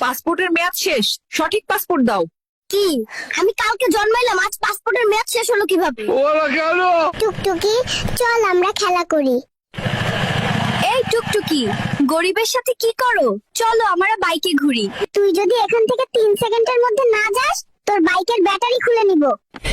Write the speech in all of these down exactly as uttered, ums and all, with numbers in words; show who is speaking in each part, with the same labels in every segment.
Speaker 1: পাসপোর্টের মেয়াদ শেষ, সঠিক পাসপোর্ট দাও।
Speaker 2: কি আমি কালকে জন্মাইলাম, আজ পাসপোর্টের মেয়াদ শেষ হলো কিভাবে? টুকটুকি চল আমরা খেলা করি। এই টুকটুকি, গরিবের সাথে কি করো? চলো আমরা বাইকে ঘুরি। তুই যদি এখান থেকে তিন সেকেন্ডের মধ্যে না যাস, তোর বাইকের ব্যাটারি খুলে নিব।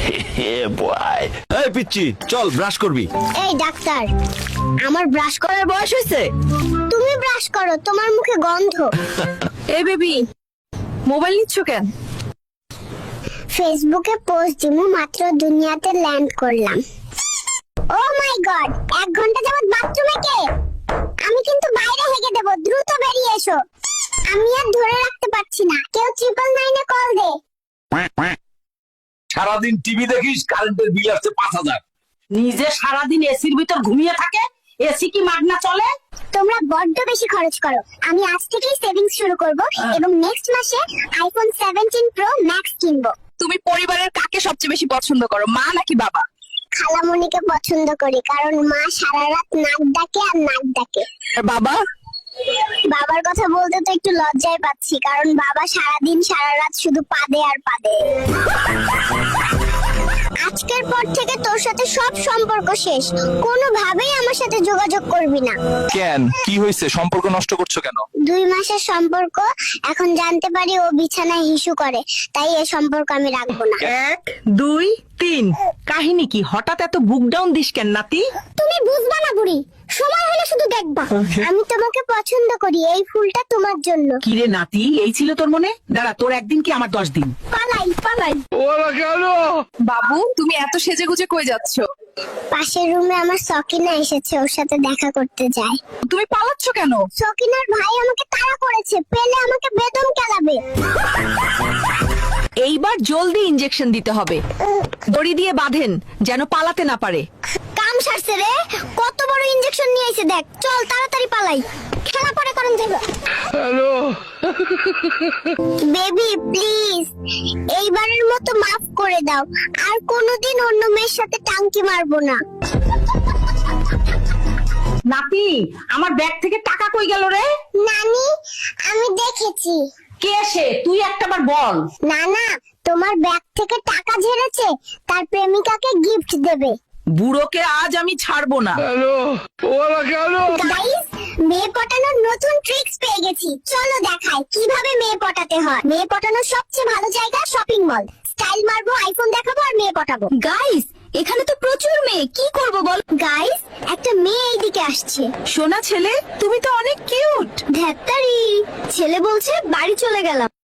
Speaker 3: এই পিচ্চি, চল ব্রাশ করবি।
Speaker 2: এই ডাক্তার, আমার ব্রাশ করার
Speaker 1: বয়স হয়েছে।
Speaker 2: তুমি ব্রাশ করো, তোমার মুখে গন্ধ।
Speaker 1: এই বেবি, মোবাইল নিচ্ছ কেন?
Speaker 2: ফেসবুকে পোস্ট দিমু, মাত্র দুনিয়াতে ল্যান্ড করলাম। ও মাই গড, এক ঘন্টা যাবত বাথরুমে কে? আমি কিন্তু বাইরে হেগে দেব, দ্রুত বেরিয়ে এসো। আমি আর ধরে রাখতে পারছি না, কেউ ট্রিপল নাইনে কল দে।
Speaker 3: সারাদিন টিভি দেখিস, কারেন্টের বিল আসছে পাঁচ হাজার।
Speaker 4: নিজে সারাদিন এসির ভিতর ঘুমিয়ে থাকে, এসি কি মাগনা চলে?
Speaker 2: তোমরা বড্ড বেশি খরচ করো। আমি আজ থেকেই সেভিংস শুরু করব এবং নেক্সট মাসে আইফোন সেভেন্টিন প্রো ম্যাক্স কিনবো।
Speaker 1: তুমি পরিবারের কাকে সবচেয়ে বেশি পছন্দ করো, মা নাকি বাবা?
Speaker 2: খালামণিকে পছন্দ করি, কারণ মা সারা রাত নাক ডাকে আর নাক ডাকে।
Speaker 1: আর বাবা?
Speaker 2: বাবার কথা বলতে তো একটু লজ্জায় পাচ্ছি, কারণ বাবা সারাদিন সারা রাত শুধু পাদে আর পাদে। আজকের পর থেকে তোর সাথে সব সম্পর্ক শেষ, কোনোভাবেই আমার সাথে যোগাযোগ করবি না।
Speaker 3: কেন, কি হয়েছে? সম্পর্ক নষ্ট করছো কেন?
Speaker 2: দুই মাসের সম্পর্ক, এখন জানতে পারি ও বিছানায় হিসু করে, তাই এই সম্পর্ক আমি রাখবো না।
Speaker 4: এক দুই তিন। কাহিনী কি? হঠাৎ এত বুক ডাউন দিস কেন নাতি?
Speaker 2: তুমি বুঝবা না বুড়ি, সময় হলে শুধু দেখবা। আমি তোমাকে পছন্দ করি, এই ফুলটা তোমার জন্য।
Speaker 4: কিরে নাতি, এই ছিল তোর মনে? দাঁড়া, তোর একদিন কি আমার দশ দিন?
Speaker 2: পালাই পালাই।
Speaker 1: বাবু, তুমি এত সেজে গুজে কই যাচ্ছ?
Speaker 2: পাশের রুমে আমার সকিনা এসেছে, ওর সাথে দেখা করতে যাই।
Speaker 1: তুমি পালাচ্ছ কেন?
Speaker 2: সকিনার ভাই আমাকে তাড়া করেছে, পেলে আমাকে বেদম কেলাবে।
Speaker 1: এইবার জলদি ইনজেকশন দিতে হবে, দড়ি দিয়ে বাঁধেন যেন পালাতে না পারে।
Speaker 2: কাম সারছে রে, কত বড় ইনজেকশন নিয়ে এসে দেখ। চল তাড়াতাড়ি পালাই, খেলা পরে করেন যাবে। হ্যালো বেবি, প্লিজ এইবারের মতো মাফ করে দাও, আর কোনোদিন অন্য মেয়ের সাথে টাঙ্কি মারবো না।
Speaker 4: নাতি, আমার ব্যাগ থেকে টাকা কই গেল রে?
Speaker 2: নানি, আমি দেখেছি।
Speaker 4: কে সে? তুই একটাবার বল।
Speaker 2: না না, তোমার ব্যাগ থেকে টাকা ঝেড়েছে, তার প্রেমিকাকে গিফট দেবে।
Speaker 1: বুড়োকে আজ আমি ছাড়বো না।
Speaker 2: গাইস, মেয়ে পটানোর নতুন ট্রিক্স পেয়ে গেছি, চলো দেখাই কিভাবে মেয়ে পটাতে হয়। মেয়ে পটানোর সবচেয়ে ভালো জায়গা শপিং মল। স্টাইল মারবো, আইফোন দেখাবো আর মেয়ে পটাবো। গাইস, এখানে তো প্রচুর মেয়ে, কি করব বল? গাইস, একটা মেয়ে এইদিকে আসছে।
Speaker 1: সোনা ছেলে, তুমি তো অনেক কিউট।
Speaker 2: ধ্যাত্তারি, ছেলে বলছে বাড়ি চলে গেলাম।